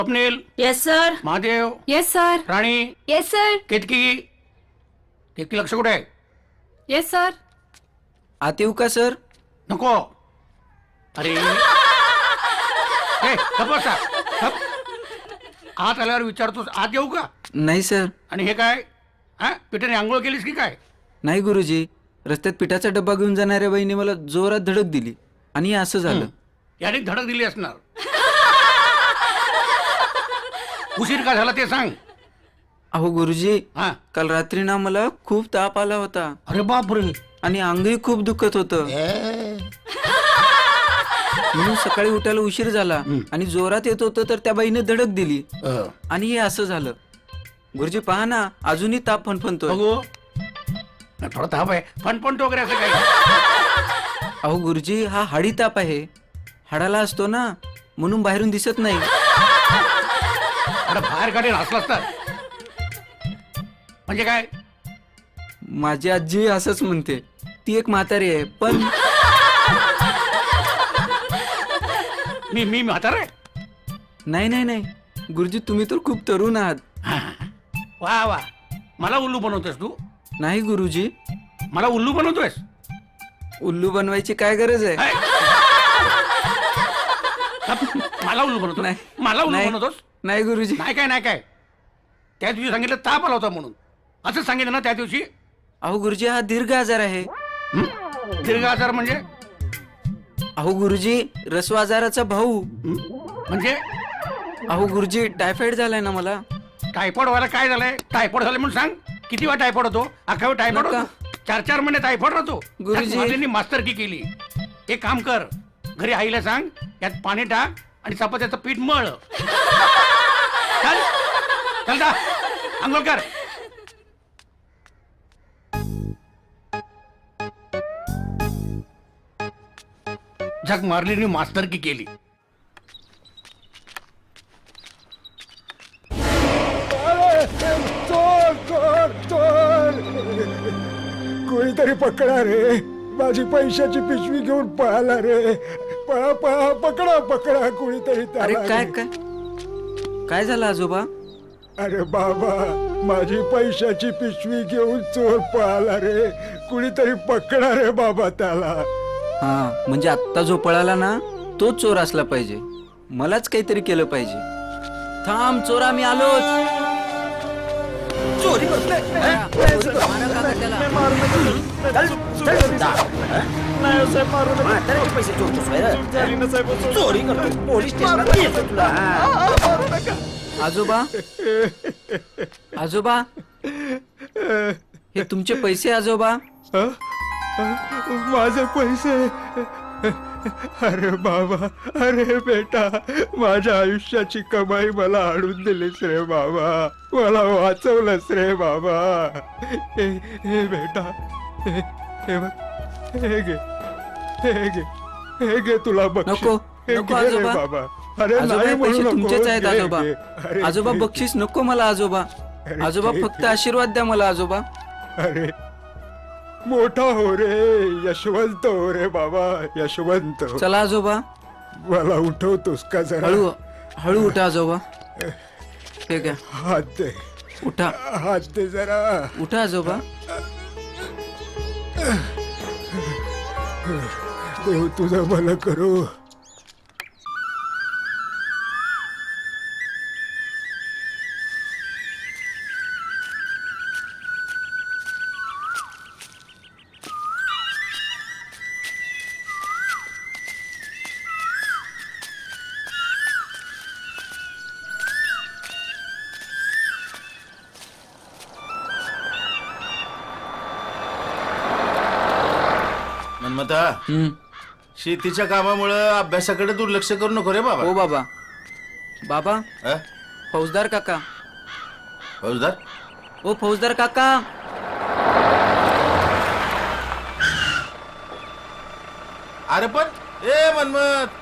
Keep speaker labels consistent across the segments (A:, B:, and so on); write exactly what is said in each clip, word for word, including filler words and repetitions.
A: Swapnil.
B: Yes sir.
A: Mahadev.
B: Yes sir.
A: Rani.
B: Yes sir.
A: Ketaki. Ketaki लक्ष कुठे आहे?
B: Yes sir.
C: आत येऊ का सर?
A: नको. अरे हे गप्प बसा. गप्प. आत आल्यावर विचारतोस आत येऊ का?
C: नाही सर.
A: आणि हे काय हा पिठाने आंघोळ केलीस की काय?
C: नाही गुरुजी, रस्त्यात पिठाचा डब्बा घेऊन जाणाऱ्या बाईने मला जोरात धडक दिली आणि असं झालं.
A: याने धडक दिली असणार. उशीर का झाला ते सांग.
C: अहो गुरुजी,
A: हा.
C: काल रात्री ना मला खूप ताप आला होता
A: अरे बापरे.
C: आणि अंगही खूप दुखत होतं. म्हणून सकाळी उठायला उशीर झाला आणि जोरात येत होतं तर त्या बाईने धडक दिली आणि हे असं झालं. गुरुजी पहा ना, अजूनही ताप फणफणतोय.
A: बघू. थोडा ताप आहे फणफणतो वगैरे असं काही.
C: अहो गुरुजी, हा हाडी ताप आहे. हाडाला असतो ना, म्हणून बाहेरून दिसत नाही.
A: अरे बाहेर काढेल हसला असतात. म्हणजे काय?
C: माझी आजी असंच म्हणते. ती एक म्हातारी आहे पण
A: मी मी म्हातारा आहे?
C: नाही नाही नाही गुरुजी, तुम्ही तर खूप तरुण आहात.
A: वा वा. मला उल्लू बनवतोयस तू?
C: नाही गुरुजी.
A: मला उल्लू बनवतोयस?
C: उल्लू बनवायची काय गरज आहे?
A: हाय. मला उल्लू बनवतो?
C: नाही.
A: मला उल्लू
C: नाही.
A: बनवतोस?
C: नाही गुरुजी.
A: नाही काय नाही काय. त्या दिवशी सांगितलं ताप आला होता म्हणून. असं सांगितलं ना त्या दिवशी?
C: अहो गुरुजी, हा दीर्घ आजार आहे.
A: हं? दीर्घ आजार म्हणजे?
C: अहो गुरुजी, रस्व आजाराचा भाऊ.
A: हं? म्हणजे
C: अहो गुरुजी, टायफॉइड झालाय ना मला.
A: टायफॉइड व्हायला काय झालंय? टायफॉइड झालं म्हणून सांग. किती वेळा टायफॉइड होतो? अख्खा वेळ टायफॉइड
C: नका.
A: होतो? चार चार महिने टायफॉइड राहतो.
C: गुरुजी.
A: माझ्यांनी मास्तरकी केली. एक काम कर, घरी आईला सांग यात पाणी टाक आणि चपात्याचं पीठ मळ. चल चल जा आंघोळ कर. झक मारली मास्तरकी केली.
D: चोर चोर चोर कोणीतरी पकडा रे. माझी पैशाची पिशवी घेऊन पळाला रे. पळा पळा पकडा पकडा कोणीतरी त्याला
C: अरे काय
D: रे.
C: काय काय झालं आजोबा?
D: अरे बाबा, माझी पैशाची पिशवी घेऊन चोर पळाला रे. कुणीतरी पकडा रे बाबा त्याला.
C: हा म्हणजे आत्ता जो पळाला ना, तोच चोर असला पाहिजे. मलाच काहीतरी केलं पाहिजे. थांब चोरा, मी आलोच. चोरी आजोबा, आजोबा, हे तुमचे पैसे आजोबा.
D: माझे पैसे? अरे बाबा, अरे बेटा, माझ्या आयुष्याची कमाई मला आणून दिलीस रे बाबा. मला वाचवलंस रे बाबा. हे हे बेटा, हे हे बघ, हे घे, हे घे, हे घे तुला बक्षीस.
C: नको,
D: हे
C: नको
D: घे रे
C: आजोबा.
D: बाबा. अरे
C: आजोबा,
D: नाही
C: हे
D: म्हणू
C: पैसे
D: नको.
C: तुमचेच आहेत
D: घे,
C: आजोबा.
D: घे. अरे
C: आजोबा
D: घे,
C: बक्षीस नको मला आजोबा.
D: अरे
C: आजोबा
D: घे,
C: फक्त
D: घे.
C: आशीर्वाद द्या मला आजोबा.
D: अरे मोठा हो रे, यशवंत हो रे बाबा, यशवंत.
C: चला आजोबा.
D: मला उठवतोस का जरा?
C: हळू हळू उठा आजोबा. ठीक आहे,
D: हात दे,
C: उठा
D: हात दे जरा.
C: उठा आजोबा.
D: देव तुझं भलं करू.
E: मनमता,
C: हम्म.
E: शेतीच्या कामामुळे अभ्यासाकडे दुर्लक्ष करू नको रे बाबा.
C: हो बाबा. बाबा,
E: अ?
C: फौजदार काका.
E: फौजदार?
C: ओ फौजदार काका.
E: अरे पण ए मनमत,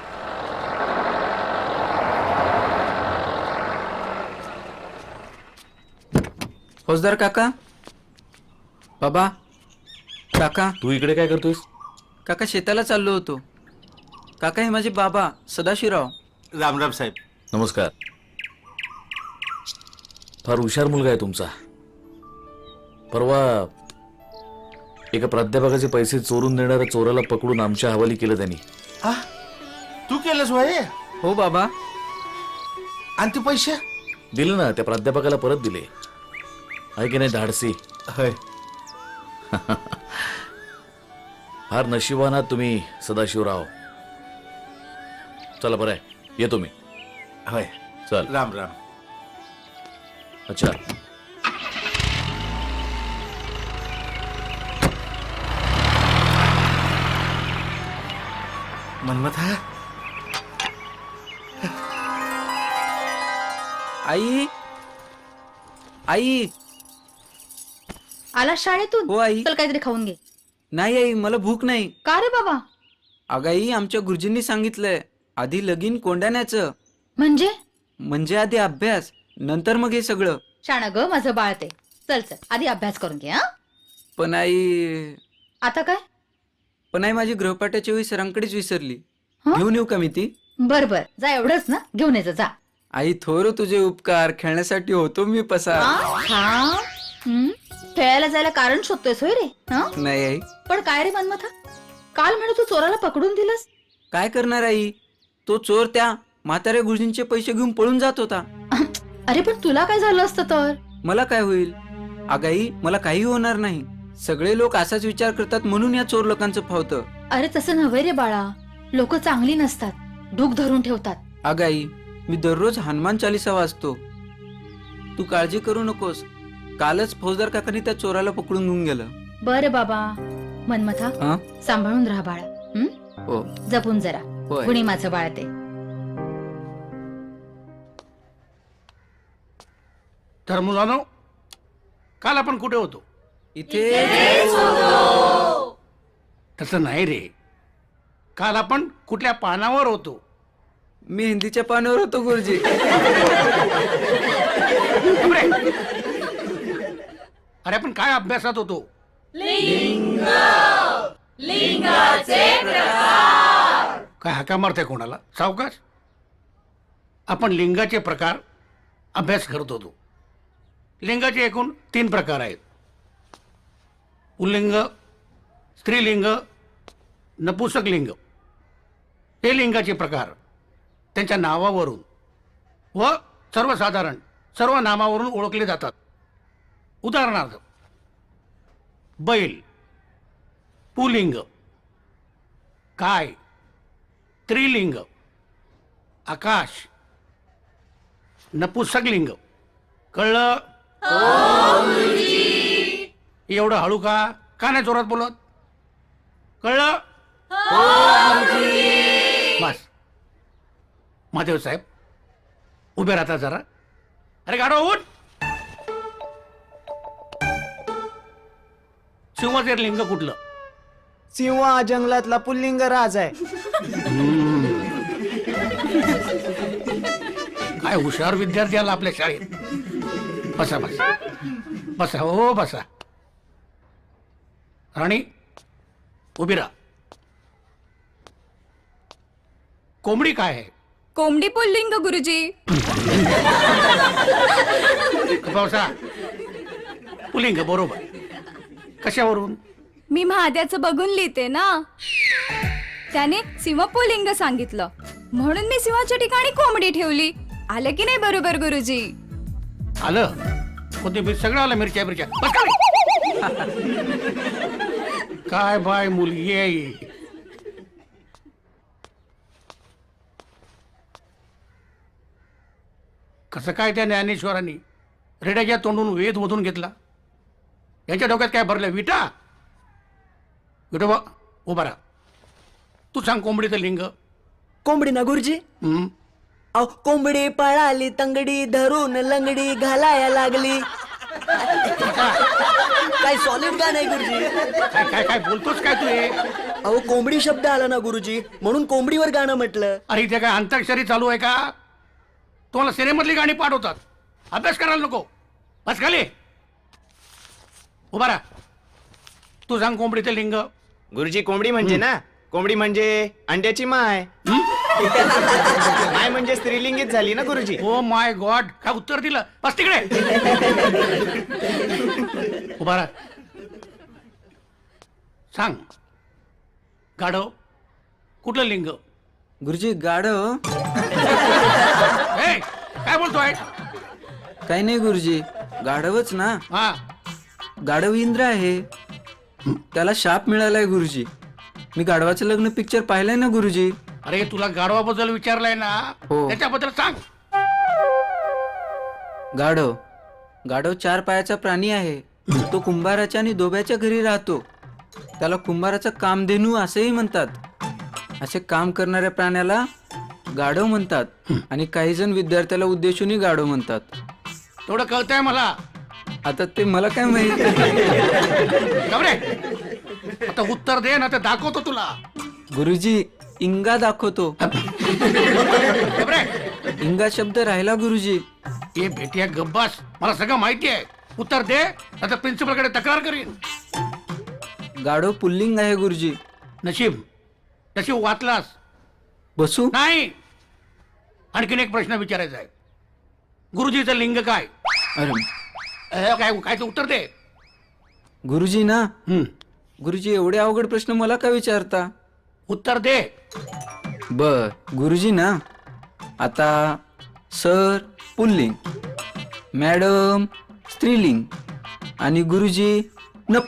C: फौजदार काका. बाबा, काका.
E: तू इकडे काय करतोस?
C: काका शेताला चाललो होतो. काका, हे माझे बाबा सदाशिवराव.
E: राम राम साहेब. नमस्कार.
B: फार हुशार मुलगा आहे तुमचा. परवा एका प्राध्यापकाचे पैसे चोरून देणाऱ्या चोराला पकडून आमच्या हवाली केलं त्यांनी.
E: आ? तू केलंस वय
C: हो बाबा.
E: आणि ते पैसे
B: दिले ना, त्या प्राध्यापकाला परत दिले. आहे की नाही धाडसी?
E: होय.
B: फार नशिबान आहात तुम्ही सदाशिवराव. चला बरं आहे, येतो मी.
E: होय.
B: चल.
E: राम राम.
B: अच्छा.
E: मन्मथा,
C: आई आई
F: आला शाळेतून?
C: हो आई.
F: चल काहीतरी खाऊन घे.
C: नाही आई, मला भूक नाही.
F: का रे बाबा?
C: अगं आई, आमच्या गुरुजींनी सांगितलंय आधी लगीन कोंडाण्याचं.
F: म्हणजे
C: म्हणजे आधी अभ्यास, नंतर मग हे सगळं.
F: शाणा ग माझं बाळ ते. चल चल आधी अभ्यास करून घे. हा
C: पण आई
F: आता काय?
C: पण आई माझी गृहपाठाच्या वेळी सरांकडेच विसरली.
F: हं?
C: घेऊन येऊ का मी ती?
F: बर बर, जा एवढंच ना, घेऊन यायचं जा.
C: आई थोर तुझे उपकार, खेळण्यासाठी होतो मी पसार.
F: हा? हा? हं? खेळायला जायला कारण शोधतोयस होय रे? हा?
C: नाही आई,
F: पण काय रे मनमथा, काल म्हणे तू चोराला पकडून दिलंस.
C: काय करणार आई, तो चोर त्या म्हाताऱ्या गुरुजींचे पैसे घेऊन पळून जात होता.
F: अरे पण तुला काय झालं असतं तर?
C: मला काय होईल अगाई, मला काही होणार नाही. सगळे लोक असाच विचार करतात म्हणून या चोर लोकांचं फावतं.
F: अरे तसं नव्हे रे बाळा, लोक चांगली नसतात, ढूक धरून ठेवतात.
C: अगाई, मी दररोज हनुमान चालिसा वाचतो. तू काळजी करू नकोस. कालच फौजदार काकांनी त्या चोराला पकडून घेऊन गेलं.
F: बर बाबा. मनमथा,
C: हा?
F: सांभाळून राहा बाळा. हं?
C: हो.
F: जपून जरा.
C: होय.
F: कुणी माझं बाळ ते.
A: तर मुलांनो, काल आपण कुठे होतो?
C: इथे
A: तसं नाही रे, काल आपण कुठल्या पानावर होतो?
C: मी हिंदीच्या पानावर होतो गुरुजी.
A: बापरे! अरे आपण काय अभ्यासात होतो? काय हाका मारते कोणाला? सावकाश. आपण लिंगाचे प्रकार अभ्यास करत होतो. लिंगाचे एकूण तीन प्रकार आहेत: पुल्लिंग, स्त्रीलिंग, नपुसक लिंग. हे लिंगाचे प्रकार त्यांच्या नावावरून व सर्वसाधारण सर्व नामावरून ओळखले जातात. उदाहरणार्थ, बैल पुलिंग, काय स्त्रीलिंग, आकाश नपुसक लिंग. कळलं? एवढं हळू का का नाही जोरात बोलत? कळलं? बस. महादेव साहेब उभे राहता जरा. अरे गाडो उठ. सिंहाचे लिंग कुठलं?
G: सिंह हा जंगलातला पुल्लिंग राज आहे.
A: काय हुशार विद्यार्थी आला आपल्या शाळेत. बसा बसा बसा. हो बसा. राणी उभी राहा. कोंबडी काय आहे?
H: कोंबडी पुल्लिंग गुरुजी.
A: बसा. पुलिंग बरोबर. कशावरून?
H: मी महाद्याचं बघून लिहिते ना, त्याने सिंह पुल्लिंग सांगितलं म्हणून मी सिंहाच्या ठिकाणी कोंबडी ठेवली. आलं की नाही बरोबर गुरुजी?
A: आलं. कोथिंबीर सगळं आलं. मिरच्या मिरच्या. बस का रे? काय बाय मुलगी आहे. कसं काय त्या ज्ञानेश्वरांनी रेड्याच्या तोंडून वेद मधून घेतला? यांच्या डोक्यात काय भरलं? विटा. विठोबा उभा राहा. तू सांग कोंबडीचं लिंग.
G: कोंबडी ना गुरुजी?
A: हम्म.
G: अहो, कोंबडी पळाली तंगडी धरून लंगडी घालाया लागली. काय सॉलिड गाणं आहे गुरुजी.
A: काय काय काय बोलतोस काय तू हे?
G: अहो कोंबडी शब्द आला ना गुरुजी, म्हणून कोंबडीवर गाणं म्हटलं.
A: अरे इथे काय अंताक्षरी चालू आहे का? तुम्हाला सिनेमातली गाणी पाठवतात. अभ्यास करायला नको. बस खाली. उभा राहा. तू सांग कोंबडीचं लिंग.
I: गुरुजी कोंबडी म्हणजे ना, कोंबडी म्हणजे अंड्याची माय.
A: हं?
I: माय म्हणजे स्त्रीलिंगीच झाली ना गुरुजी.
A: ओ माय गॉड, काय उत्तर दिलं? बस तिकडे. उभा राहा. सांग, गाढव कुठलं लिंग?
C: गुरुजी गाढव
A: ए, काय बोलतोय?
C: काही नाही गुरुजी, गाढवच ना.
A: हा,
C: गाढव इंद्र आहे, त्याला शाप मिळालाय गुरुजी. मी गाढवाचं लग्न पिक्चर पाहिलंय ना गुरुजी.
A: अरे तुला गाढवाबद्दल विचारलंय ना,
C: हो.
A: त्याच्याबद्दल सांग.
C: गाढव गाढव चार पायाचा प्राणी आहे. तो कुंभाराच्या आणि दोब्याच्या घरी राहतो. त्याला कुंभाराचा कामधेनू असेही म्हणतात. असे काम करणाऱ्या प्राण्याला गाढव म्हणतात आणि काही जण विद्यार्थ्याला उद्देशूनही गाढव म्हणतात.
A: तेवढं कळतंय मला.
C: आता ते मला काय माहित.
A: गबरे, आता उत्तर दे ना, ते दाखवतो तुला.
C: गुरुजी इंगा दाखवतो.
A: गबरे,
C: इंगा शब्द राहिला गुरुजी.
A: ये भेटिया गब्बास, मला सगळं माहिती आहे. उत्तर दे, आता प्रिन्सिपल कडे तक्रार करीन.
C: गाढव पुल्लिंग आहे गुरुजी.
A: नशीब नशीब वाचलास.
C: बसू.
A: नाही, आणखीन एक प्रश्न विचारायचा आहे. गुरुजीचं लिंग काय?
C: अरे
A: अ, काय काय ते उत्तर दे.
C: गुरुजी ना.
A: हम्म,
C: गुरुजी एवढे अवघड प्रश्न मला का विचारता.
A: उत्तर दे.
C: बर गुरुजी ना. आता सर पुल्लिंग, मॅडम स्त्रीलिंग आणि गुरुजी नप.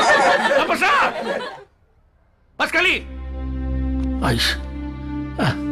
A: बसा, बस खाली. आईश,